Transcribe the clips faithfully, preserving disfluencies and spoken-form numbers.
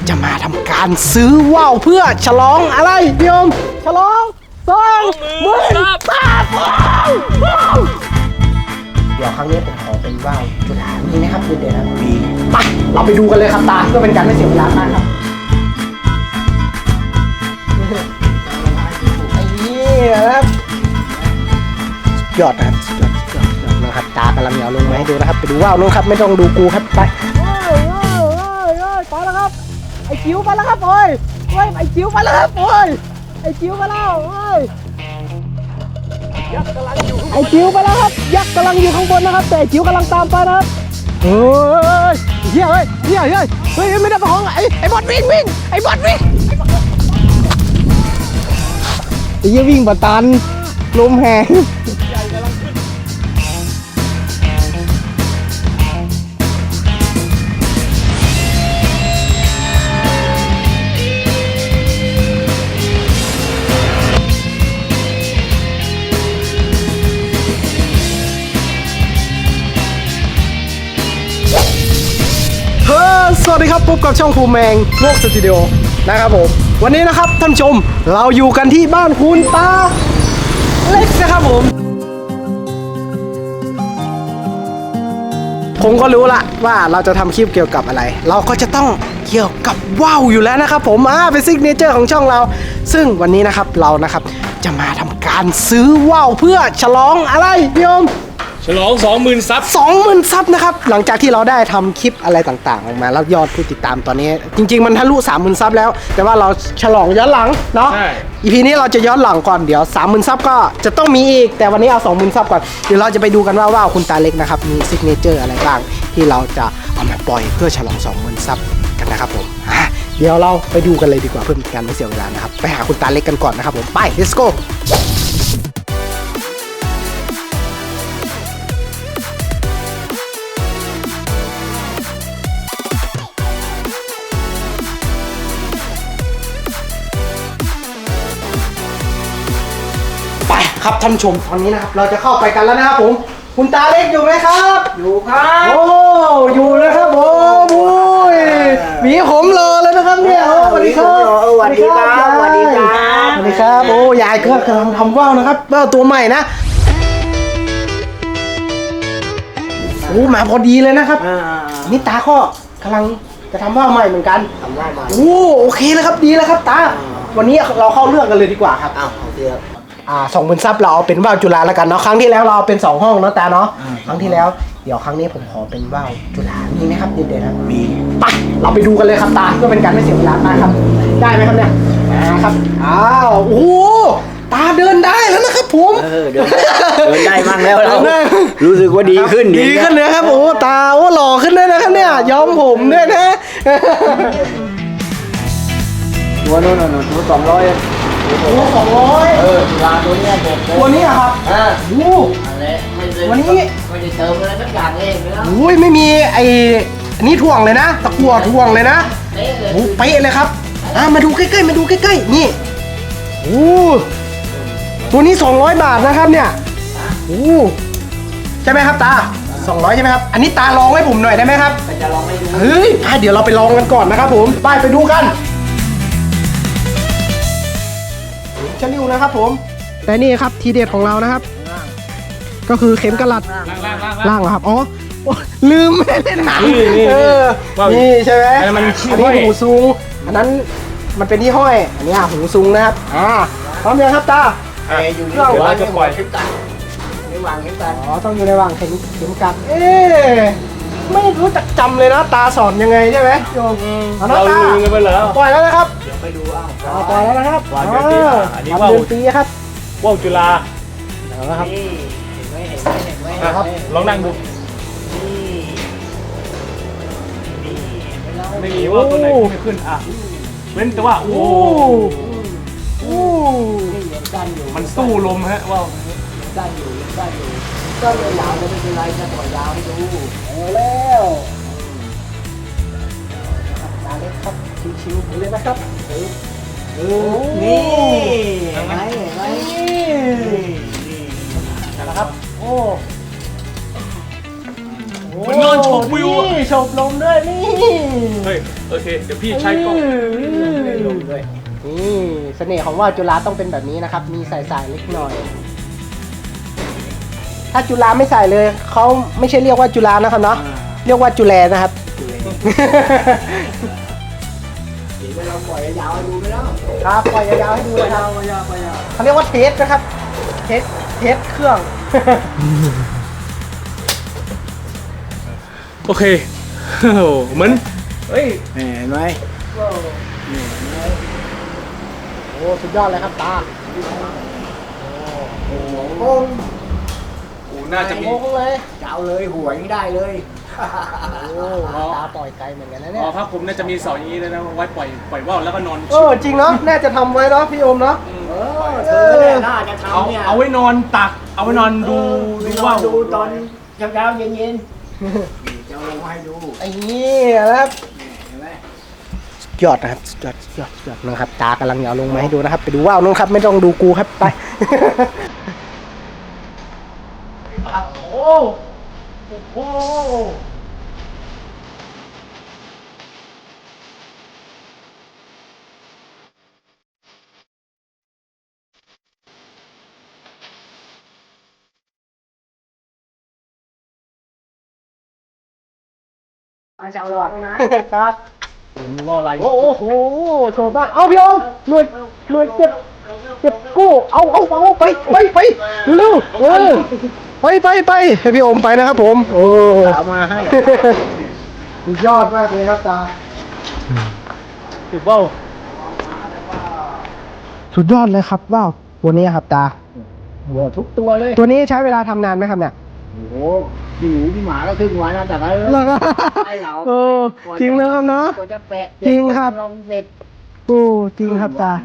จะมาทำการซื้อว่าวเพื่อฉลองอะไรพี่อมฉลองสองหมื่นบาทเดี๋ยวครั้งนี้ผมขอเป็นว่าวจุฬามีไหมครับคุณเดชครับมีไปเราไปดูกันเลยครับตาเพื่อเป็นการไม่เสียเวลามากครับไอ้นี่นะครับยอดนะครับยอดยอดยอดนะครับตากำลังเหนียวลงมาให้ดูนะครับไปดูว่าวนู้นครับไม่ต้องดูกูครับไปไปแล้วครับไอ้จิ๋วไปแล้วครับโอ้ยโอ้ยไอ้จิ๋วไปแล้วครับโอ้ยไอ้จิ๋วไปแล้วโอ้ยไอ้จิ๋วไปแล้วครับยักษ์กำลังอยู่ข้างบนนะครับแต่ไอ้จิ๋วกำลังตามไปนะครับเฮ้ยเฮ้ยเฮ้ยเฮ้ยเฮ้ยเฮ้ยไม่ได้ประคองไอ้ไอ้บอลวิ่งวิ่งไอ้บอลวิ่งไอ้ยี่วิ่งบะตันลมแหงสวัสดีครับพบกับช่องภูมิแมงโลกสตูดิโอนะครับผมวันนี้นะครับท่านชมเราอยู่กันที่บ้านคุณตาเล็กนะครับผมผมก็รู้ละว่าเราจะทำคลิปเกี่ยวกับอะไรเราก็จะต้องเกี่ยวกับว่าวอยู่แล้วนะครับผมอ่าเป็นซิกเนเจอร์ของช่องเราซึ่งวันนี้นะครับเรานะครับจะมาทำการซื้อว่าวเพื่อฉลองอะไรพี่อมฉลอง สองหมื่น ซับสองหมื่น ซับนะครับหลังจากที่เราได้ทำคลิปอะไรต่างๆออกมาแล้วยอดผู้ติดตามตอนนี้จริงๆมันทะลุ สามหมื่น ซับแล้วแต่ว่าเราฉลองย้อนหลังเนาะ อี พี นี้เราจะย้อนหลังก่อนเดี๋ยว สามหมื่น ซับก็จะต้องมีอีกแต่วันนี้เอา สองหมื่น ซับก่อนเดี๋ยวเราจะไปดูกันว่าว่าวคุณตาเล็กนะครับมีซิกเนเจอร์อะไรบ้างที่เราจะเอามาปล่อยเพื่อฉลอง สองหมื่น ซับกันนะครับผมเดี๋ยวเราไปดูกันเลยดีกว่าเพื่อเป็นการไม่เสียเวลานะครับไปหาคุณตาเล็กกันก่อนนะครับผมไป let's goครับท่านผู้ชมตอนนี้นะครับเราจะเข้าไปกันแล้วนะครับผมคุณตาเล็กอยู่ไหมครับอยู่ครับโอ้อยู่นะครับผมโอ้ยหวีผมรอแล้วนะครับเนี่ยสวัสดีครับสวัสดีครับสวัสดีครับสวัสดีครับโอ้ยายก็กำลังทำว่าวนะครับว่าวตัวใหม่นะโอ้มาพอดีเลยนะครับนี่ตาก็กำลังจะทำว่าวใหม่เหมือนกันทำว่าวใหม่โอ้โอเคแล้วครับดีแล้วครับตาวันนี้เราเข้าเรื่องกันเลยดีกว่าครับอ้าวโอเคครับอ่าสองหมื่น ซับเราเอาเป็นว่าวจุฬาแล้วกันเนาะครั้งที่แล้วเราเอาเป็นสองห้องเนาะตาเนาะครั้งที่แล้วเดี๋ยวครั้งนี้ผมขอเป็นว่าวจุฬามีไหมครับเด็ดๆครับมีไปเราไปดูกันเลยครับตาเพื่อเป็นการไม่เสียเวลามากครับได้ไหมครับเนี่ยนะครับอ้าวโอ้ตาเดินได้แล้วนะครับผมเออเดินเดินได้มั่งแล้วเรารู้สึกว่าดีขึ้นดีขึ้นเลยครับโอ้ตาโอ้หล่อขึ้นเลยนะครับเนี่ยย้อมผมด้วยนะตัวนู้นนู้นตัวสองร้อยตัวสองร้อยเออจุฬาตัวนี้เด็ดเลยตัวนี้ครับอ่าดูวันนี้ไม่ได้เติมอะไรสักอย่างเองเลยนะอุ้ยไม่มีไอ้นี่ถ่วงเลยนะตะกั่วถ่วงเลยนะโอ้เป๊ะเลยครับอ่ามาดูใกล้ๆมาดูใกล้ๆนี่โอ้ตัวนี้สองร้อยบาทนะครับเนี่ยโอ้ใช่ไหมครับตาสองร้อยใช่ไหมครับอันนี้ตาลองให้ผมหน่อยได้ไหมครับจะลองให้ดูเฮ้ยเดี๋ยวเราไปลองกันก่อนนะครับผมไปไปดูกันชะลิวนะครับผมแต่นี่ครับทีเด็ดของเรานะครับก็คือเข็มกระลัดล่างเหรอครับอ๋อลืมไม่เล่นหนังเออนี่ใช่ไหมอันนี้หูซุงอันนั้นมันเป็นที่ห้อยอันนี้หูซุงนะครับอ่าพร้อมยังครับตาอยู่ในวางเข็มกัดในวางเข็มกัดอ๋อต้องอยู่ในวางเข็มเข็มกัดเอ๊ไม่รู้จักจำเลยนะตาสอนยังไงใช่ไหมโยมเราลืมกันไปแล้วปล่อยแล้วนะครับเดี๋ยวไปดูอ้าวปล่อยแล้วนะครับวางเดือนปีอันนี้ว่าวปีครับว่าวจุฬานะครับเห็นไหมเห็นไหมเห็นไหมครับลองนั่งดูไม่มีว่าตัวไหนไม่ขึ้นอ่ะเว้นแต่ว่าโอ้โอ้มันสู้ลมฮะว่าวสั้นอยู่สั้นอยู่ก็เลยยาวจะไม่เป็นไรจะต่อยาวให้ดูเอาแล้วตาเล็กครับชิวๆเลยนะครับเออนี่เห็นไหมเห็นไหมนะครับโอ้โหเหมือนนอนชมวิวอะนี่ชมลมด้วยนี่เฮ้ยโอเคเดี๋ยวพี่ใช้กล้องลมด้วยนี่เสน่ห์ของว่าวจุฬาต้องเป็นแบบนี้นะครับ มีสายๆเล็กหน่อย ถ้าจุฬาไม่ใส่เลยเขาไม่ใช่เรียกว่าจุฬานะครับเนาะเรียกว่าจุแลนะครับเดี๋ยวเราปล่อยยาวๆดูไปแล้วครับปล่อยยาวๆให้ดูเลยครับปล่อยยาวปล่อยยาวเขาเรียกว่าเทสนะครับ เทสเทสเครื่องโอเคโอ้โหเหมือนเฮ้ยเห็นไหมโอ้สุดยอดเลยครับตาโอ้โหโอ้โหโอ้น่าจะมีโค้งเลยจะเอาเลยหัวนี่ได้เลยโอ้ตาปล่อยไกลเหมือนกันนะเนี่อ๋ยอครับผมน่าจะมีเสาอย่างนี้เลยนะไว้ปล่อยปล่อยว่าวแล้วก็นอนเออจริงเนาะน่าจะทำไว้เนาะพี่โอมเนาะเออเธอเนี่ยน่าจะเอาทำเนี่ยเอาไว้นอนตัก เอาไว้นอนดูดูดูว่าว่าวดูตอนเช้าๆเย็นๆจะเอาลงมาให้ดูไอ้นี่นะครับเห็นไหมยอดนะครับยอดยอดยอดนะครับตากำลังจะเอาลงมาให้ดูนะครับ ไปดูว่าวนู้นครับไม่ต้องดูกูครับไป โอ้โหมาจะเอาหลอดนะครับว่าอะไรโอ้โหโชว์บ้างเอาพี่โอมหน่วยหน่วยเจ็บเจ็บกู้เอาเอาเอาไปไปไปเร็วเออไปไปไปให้พี่โอมไปนะครับผมโอ้เอามาให้สุดยอดมากเลยครับตาถือว่าวสุดยอดเลยครับว้าวตัวนี้ครับตาหัวทุกตัวเลยตัวนี้ใช้เวลาทำนานไหมครับเนี่ยโอ้โหพี่หมูพี่หมาก็ครึ่งวันนะแต่ก็เหรอครับให้เราโอ้จริงเลยครับเนาะกว่าจะแปะจริงครับลงเสร็จโอ้จริงครับตา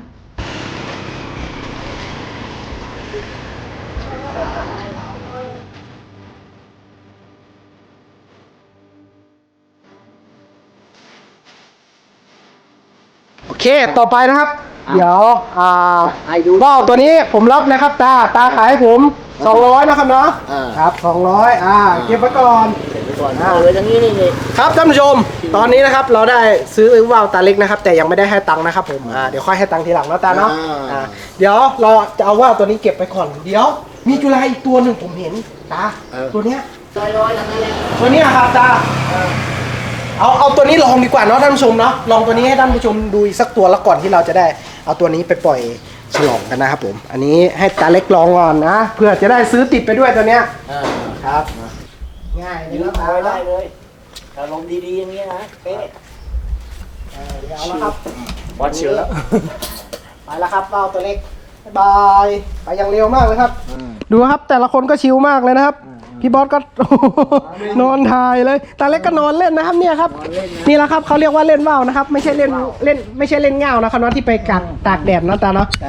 โอเคต่อไปนะครับ เดี๋ยวอ่าให้ดูว่าวตัวนี้ผมรับนะครับตาตาขายให้ผมสองร้อยนะครับเนาะอ่าครับสองร้อยอ่าเก็บไว้ก่อนเสร็จไปก่อนเอาเลยทั้งนี้นี่เลยครับท่านผู้ชม ตอนนี้นะครับเราได้ซื้อว่าวตาเล็กนะครับ แต่ยังไม่ได้ให้ตังค์นะครับผมอ่าเดี๋ยวค่อยให้ตังค์ทีหลังนะตาเนาะอ่าอ่าเดี๋ยวเราจะเอาว่าวตัวนี้เก็บไปก่อนเดี๋ยว มีจุฬาอีกตัวหนึ่งผมเห็นตาตัวเนี้ยร้อยร้อยทั้งนั้นเลยตัวเนี้ยครับตาเอาเอาตัวนี้ลองดีกว่าเนาะท่านผู้ชมเนาะลองตัวนี้ให้ท่านผู้ชมดูอีกสักตัวแล้วก่อนที่เราจะได้เอาตัวนี้ไปปล่อยฉลองกันนะครับผมอันนี้ให้ตาเล็กลองก่อนนะเพื่อจะได้ซื้อติดไปด้วยตัวเนี้ยอ่าครับง่ายเลยยืนะมตาเอาไว้ได้เลยแต่ลมดีๆอย่างนี้นะเป๊ะเออเดี๋ยวเอาละครับวัดเชียวแล้วไปแล้วครับว่าวตัวเล็กบ๊ายบายไปอย่างเร็วมากเลยครับ ดูครับแต่ละคนก็ชิลมากเลยนะครับ พี่บอสก็ นอนถ่ายเลยตาเล็กก็นอนเล่นนะครับเนี่ยครับนี่แหละครับเขาเรียกว่าเล่นว่าวนะครับ ไม่ใช่เล่นเล่นไม่ใช่เล่นง่าวนะครับเนาะที่ไปกักตากแดดเนาะตาเนาะใช่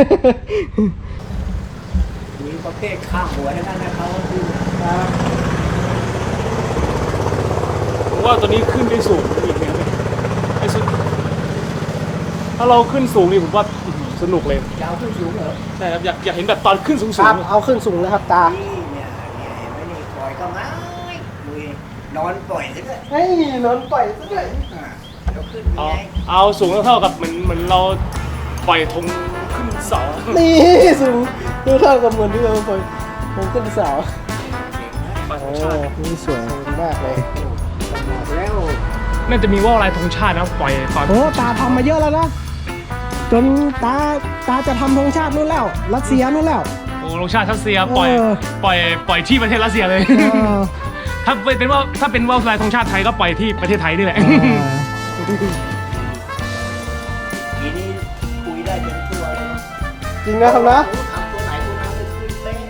มีประเภทข้ามหัวทั้งนั้นนะเขาคือผมว่าตัวนี้ขึ้นได้สูงอีกเนี่ยไอ้สุดถ้าเราขึ้นสูงนี่ผมว่าอื้อหือสนุกเลยยาวขึ้นสูงเหรอใช่ครับอยากอยากเห็นแบบตอนขึ้นสูงคสูรังบเอาขึ้นสูงเลยครับตานี่เนี่ยเนี่ยเห็นไหมนี่ปล่อยก็ง่ายดูดินอนปล่อยซะด้วยเฮ้ยนอนปล่อยซะด้วยอ่าแล้วขึ้นเอายังไงเอาสูงเท่ากับเหมือนเหมือนเราปล่อยธงขึ้นเสานี่สูงดูเท่ากับเหมือนที่เราปล่อยผมขึ้นเสาปล่อยธโอ้งชาตินี่สวยมากเลยแล้วน่าจะมีว่าวลายธงชาตินะปล่อยตอนโอ้ตาทำมาเยอะแล้วนะจนตาตาจะทำธงชาตินู่นแล้วรัสเซียนู่นแล้วโอ้ธงชาติรัสเซียปล่อยเออปล่อยปล่อยที่ประเทศรัสเซียเลยเออถ้าเป็นว่าถ้าเป็นว่าวลายธงชาติไทยก็ปล่อยที่ประเทศไทยนี่แหละทีนี้คุยได้เต็มตัวเลยจริงนะครับนะทำตัวไหนตัวนั้นเลยขึ้นเป๊ะ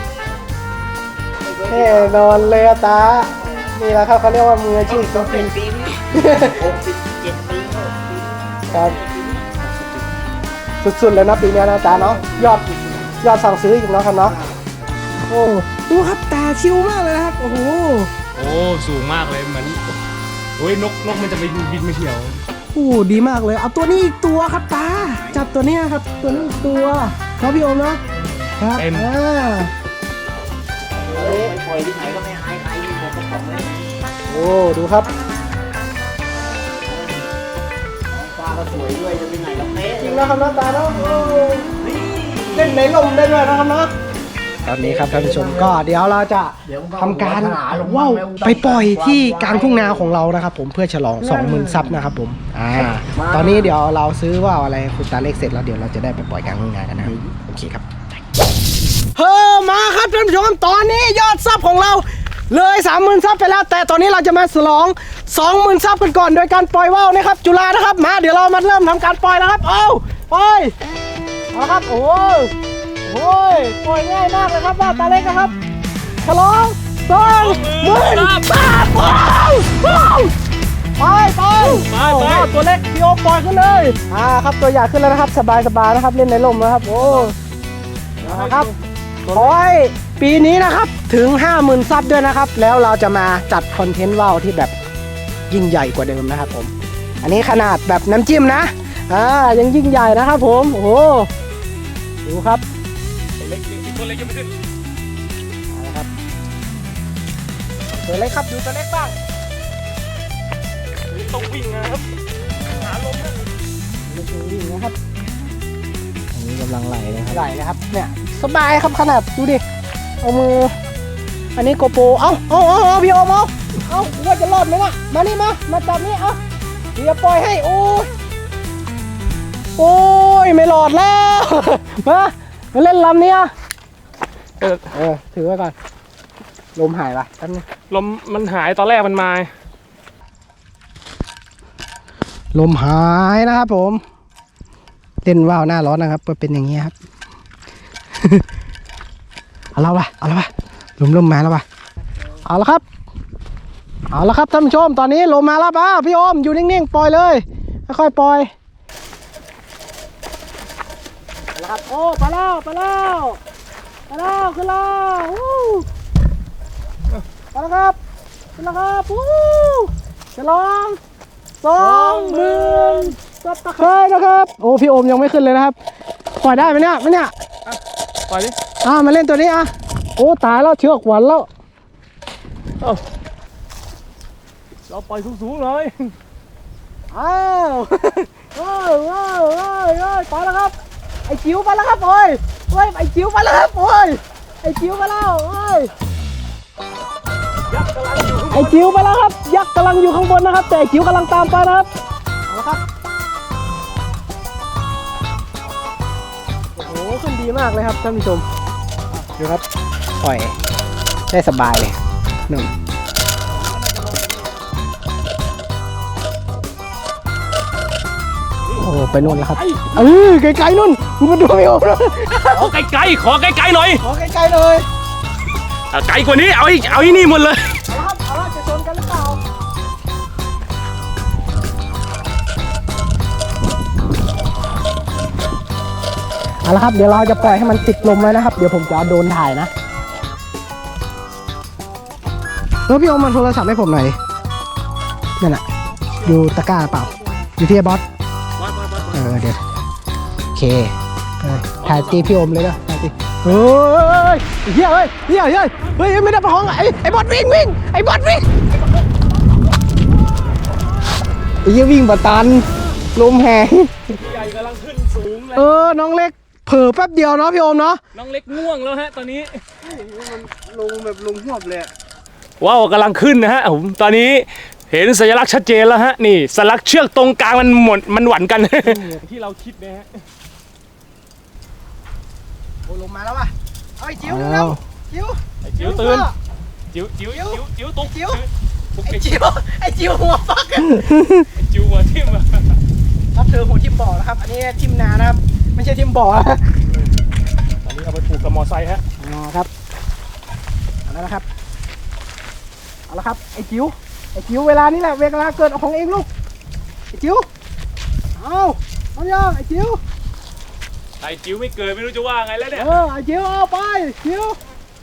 แน่นอนเลยอะตา นี่แหละครับเขาเรียกว่ามืออาชีพจต้องริเป็งนปีนี้หกสิบเจ็ดปีแล้วปีนี้ๆครับสุดๆเลยนะปีนี้นะตาเนาะยอดยอดสั่งซื้ออีกเนาะครับเนาะโอ้ดูครับตาชิวมากเลยนะครับโอ้โหโอ้สูงมากเลยเหมือนโอ้ยนกนกมันจะไปบินไม่เที่ยวโอ้ดีมากเลยเอาตัวนี้อีกตัวครับตาจับตัวเนี้ยครับ ตัวนี้อีกตัวเนาะพี่โอมเนาะครับอ่าเฮ้ยไปปล่อยที่ไหนก็ไม่อายใครมีหมดกระป๋องเลยโอ้ดูครับฟ้าก็สวยด้วยจะเป็นไงล่ะเป๊ะจริงนะครับน้าตาเนาะโอ้เล่นในลมได้ด้วยนะครับเนาะตอนนี้ครับท่านผู้ชมก็เดี๋ยวเราจะทำการว่าวไปปล่อยที่กลางทุ่งนาของเรานะครับผมเพื่อฉลอง สองหมื่น ซับนะครับผมอ่าตอนนี้เดี๋ยวเราซื้อว่าวอะไรคุณตาเล็กเสร็จแล้วเดี๋ยวเราจะได้ไปปล่อยกลางทุ่งนากันนะครับโอเคครับเฮ้อมาครับท่านผู้ชมตอนนี้ยอดซับของเราเลย สามหมื่น ซับไปแล้วแต่ตอนนี้เราจะมาฉลอง สองหมื่น ซับกันก่อนโดยการปล่อยว่าวนะครับจุฬานะครับมาเดี๋ยวเรามาเริ่มทำการปล่อยนะครับเอาปล่อยเอาครับโอ้โอ้ยปล่อยง่ายมากเลยครับว่าวตาเล็กนะครับฉลองสองหมื่นซับว้าวว้าวไปไปไปโอ้ไปโหตัวเล็กพี่โอปล่อยขึ้นเลยอ่าครับตัวใหญ่ขึ้นแล้วนะครับสบายสบายนะครับเล่นในลมนะครับโอ้นะครับขอให้ปีนี้นะครับถึง ห้าหมื่น ซับด้วยนะครับแล้วเราจะมาจัดคอนเทนต์ว่าวที่แบบยิ่งใหญ่กว่าเดิมนะครับผมอันนี้ขนาดแบบน้ำจิ้มนะอ่ายังยิ่งใหญ่นะครับผมโอ้โหดูครับตัวเล็กตัวเล็กยังไม่ขึ้นเอาละครับตัวเล็กครับดูตัวเล็กบ้างต้องวิ่งนะครับหาลมนะดูตัววิ่งนะครับอันนี้กำลังไหลนะครับไหลนะครับเนี่ยสบายครับขนาดดูดิเอามืออันนี้โกโปรเอาเอาเอาเอาพี่โอมเอาเอาว่าจะรอดไหมวะมานี่มามาจับนี่เอาเดี๋ยวปล่อยให้โอ้ยโอ้ยไม่รอดแล้วมามาเล่นลำนี้อ่ะเออเออถือไว้ก่อนลมหายไปแป๊บนึงลมมันหายตอนแรกมันมาลมหายนะครับผมเล่นว่าวหน้าร้อนนะครับก็เป็นอย่างนี้ครับ เอาละวะเอาละวะลมลมมาแล้ววะเอาละครับเอาละครับท่านผู้ชมตอนนี้ลมมาแล้วป่ะพี่โอมอยู่นิ่งๆปล่อยเลยค่อยๆปล่อยเอาละครับโอ้ไปแล้วไปแล้วไปแล้วขึ้นแล้ววู้ไปแล้วครับขึ้นแล้วครับวู้จะลองสองหมื่นซับตะไคร้นะครับโอ้พี่โอมยังไม่ขึ้นเลยนะครับปล่อยได้ไหมเนี่ยไหมเนี่ยปล่อยดิอ่ามาเล่นตัวนี้อ่ะโอ้ตายแล้วเชือกหวันแล้วเอ้าเราปล่อยสูงๆเลยอ้าวว้าวว้าวว้าวว้าวไปแล้วครับไอ้จิ๋วไปแล้วครับโอ้ยโอ้ยไอ้จิ๋วไปแล้วครับโอ้ยไอ้จิ๋วไปแล้วโอ้ยยักษ์กำลังอยู่ไอ้จิ๋วไปแล้วครับยักษ์กำลังอยู่ข้างบนนะครับแต่ไอ้จิ๋วกำลังตามไปนะครับเอาละครับโอ้โหขึ้นดีมากเลยครับท่านผู้ชมดูครับปล่อยได้สบายเลยหนึ่งโอ้ไปนู่นแล้วครับเออไกลๆนู่นมึงมาดูไม่ออกเลยขอไกลๆขอไกลๆหน่อยขอไกลๆเลยอ่ะไกลกว่านี้เอาอีกเอาอีนี่หมดเลยเอาละครับเอาละจะชนกันหรือเปล่าเอาละครับเดี๋ยวเราจะปล่อยให้มันติดลมไว้นะครับเดี๋ยวผมจะเอาโดรนถ่ายนะเออพี่โอมมันโทรศัพท์ให้ผมหน่อยดินั่นน่ะอยู่ตะกร้าเปล่าอยู่ที่ไอ้บอสเออเดี๋ยวโอเคเออถ่ายตีพี่โอมเลยนะถ่ายตีเฮ้ยเฮ้ยเฮ้ยเฮ้ยเฮ้ยเฮ้ยไม่ได้ประคองไอ้ไอ้บอสวิ่งวิ่งไอ้บอสวิ่งไอ้ยี่วิ่งบะตันลมแหงใหญ่กำลังขึ้นสูงเลยเออน้องเล็กเผลอแป๊บเดียวเนาะพี่โอมเนาะน้องเล็กง่วงแล้วฮะตอนนี้ลงแบบลงหวบเลยว้าวกำลังขึ้นนะฮะผมตอนนี้เห็นสัญลักษณ์ชัดเจนแล้วฮะนี่สัญลักษณ์เชือกตรงกลางมันหมดมันหวั่นกัน ที่เราคิดนะฮะโอ้ลงมาแล้วว่ะเอาไอ้จิ๋วเร็วๆจิ๋วไอ้จิ๋วตื่นจิ๋วจิ๋วจิ๋วจิ๋วตุ๊กจิ๋วปุ๊กไอ้ไอ้จิ๋วไอ้จิ๋วหัวฟักอะจิ๋วหัวทิ่มอะครับเธอหัวทิ่มบ่อนะครับอันนี้ทิ่มนานะครับไม่ใช่ทิ่มบ่อนะตอนนี้เอาไปผูกกับมอไซค์ฮะอ๋อครับเอาแล้วนะครับเอาละครับไอ้จิ๋วไอ้จิ๋วเวลานี้แหละเวลาเกิดของเองลูกไอ้จิ๋วเอาเอายังไอ้จิ๋วไอ้จิ๋วไม่เกิดไม่รู้จะว่าไงแล้วเนี่ยเออไอ้จิ๋วเอาไปจิ๋ว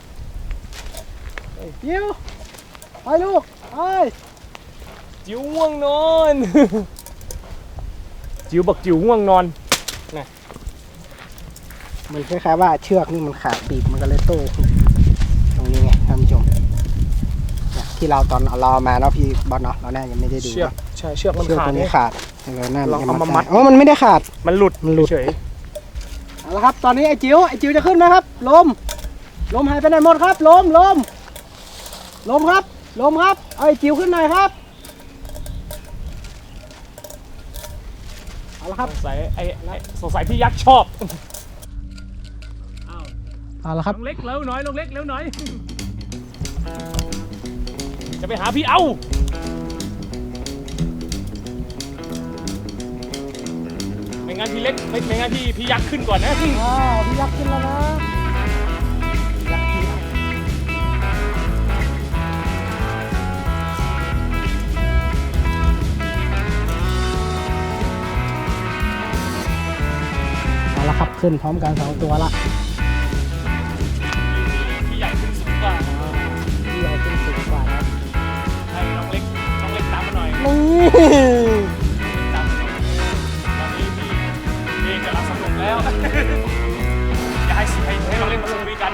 ไอ้จิ๋วไปลูกไปจิ๋วง่วงนอน จิ๋วบอกจิ๋วง่วงนอนมันคล้ายๆว่าเชือกนี่มันขาดปีกมันก็เลยโต้ขึ้นตรงนี้ไงท่านผู้ชมเนี่ยที่เราตอนเราเอามาเนาะพี่บอลเนาะเราแน่ายังไม่ได้ดูเชือกใช่เชือกมันเชือกขาดตัวนี้เนี่ยขาดเราหน้าลองเอามามัดอ๋อมันไม่ได้ขาดมันหลุดมันหลุดเฉยเอาละครับตอนนี้ไอ้จิ๋วไอ้จิ๋วจะขึ้นไหมครับลมลมหายไปไหนหมดครับลมลมลมครับลมครับเอาไอ้จิ๋วขึ้นหน่อยครับเอาละคสรับงสัยไอ้ไอ้สงสัยพี่ยักษ์ชอบอ้าวเอาละครับลงเล็กเร็วหน่อยลงเล็กเร็วหน่อยจะไปหาพี่เอ้าไม่งั้นพี่เล็กไม่ไม่งั้นพี่พี่ยักษ์ขึ้นก่อนนะอ้าวพี่ยักษ์ขึ้นแล้วนะยักษ์ขึ้นแล้วเอาละครับขึ้นพร้อมกันสองตัวละพี่ใหญ่ขึ้นสูงกว่าพี่ใหญ่ขึ้นสูงกว่านะให้น้องเล็กน้องเล็กตามมาหน่อยนี่ตามมาหน่อยตอนนี้พี่พี่กำลังสนุกแล้ว อย่าให้ให้ให้น้องเล็กมาสนุกกัน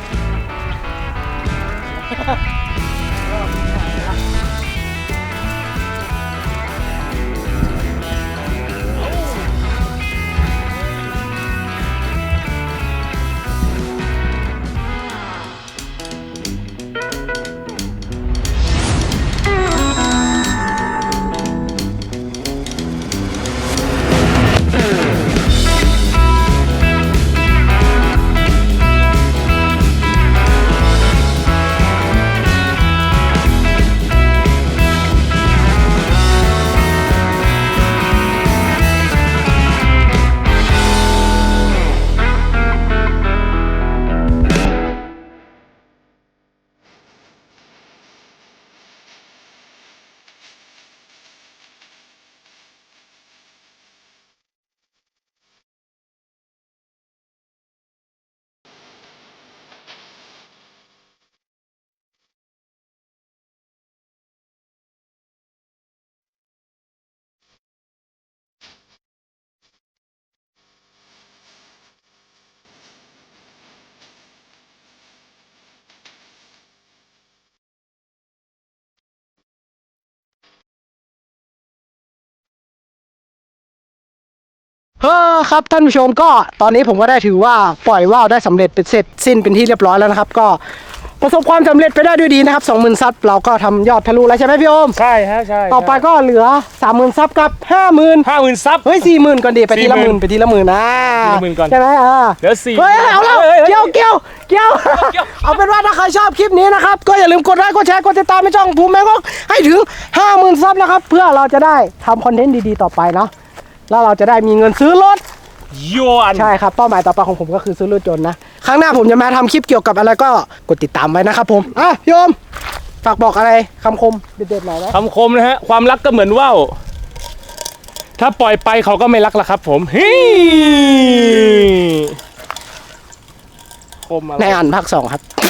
เฮ้อครับท่านผู้ชมก็ตอนนี้ผมก็ได้ถือว่าปล่อยว่าวได้สำเร็จเป็นเสร็จสิ้นเป็นที่เรียบร้อยแล้วนะครับก็ประสบความสำเร็จไปได้ด้วยดีนะครับ สองหมื่น ซับเราก็ทำยอดทะลุแล้วใช่ไหมพี่โอมใช่ฮะใช่ต่อไปก็เหลือ สามหมื่น ซับกับ ห้าหมื่นห้าหมื่นซับเฮ้ย สี่หมื่น ก่อนดิไปทีละหมื่นสี่หมื่นไปทีละหมื่นนะทีละหมื่นก่อนใช่ไหมอ่าเหลือสี่เฮ้ยเอาแล้วเฮ้ยเฮ้ยเกี่ยวเกี่ยวเกี่ยวเกี่ยวเอาเป็นว่าถ้าใครชอบคลิปนี้นะครับก็อย่าลืมกดไลค์กดแชร์กดติดตามให้ช่องภูมิแมงกอกให้ถึง ห้าหมื่น ซับนะครับเพื่อเราจะได้ทำคอนเทนต์ดีๆต่อไปเนาะแล้วเราจะได้มีเงินซื้อรถโยนใช่ครับเป้าหมายต่อไปของผมก็คือซื้อรถยนต์นะครั้งหน้าผมจะมาทำคลิปเกี่ยวกับอะไรก็กดติดตามไว้นะครับผมอ่ะพี่โอมฝากบอกอะไรคำคมเด็ดๆหน่อยนะคำคมนะฮะความรักก็เหมือนว่าวถ้าปล่อยไปเขาก็ไม่รักละครับผมฮิคมอะไรในอ่านภาคสองครับ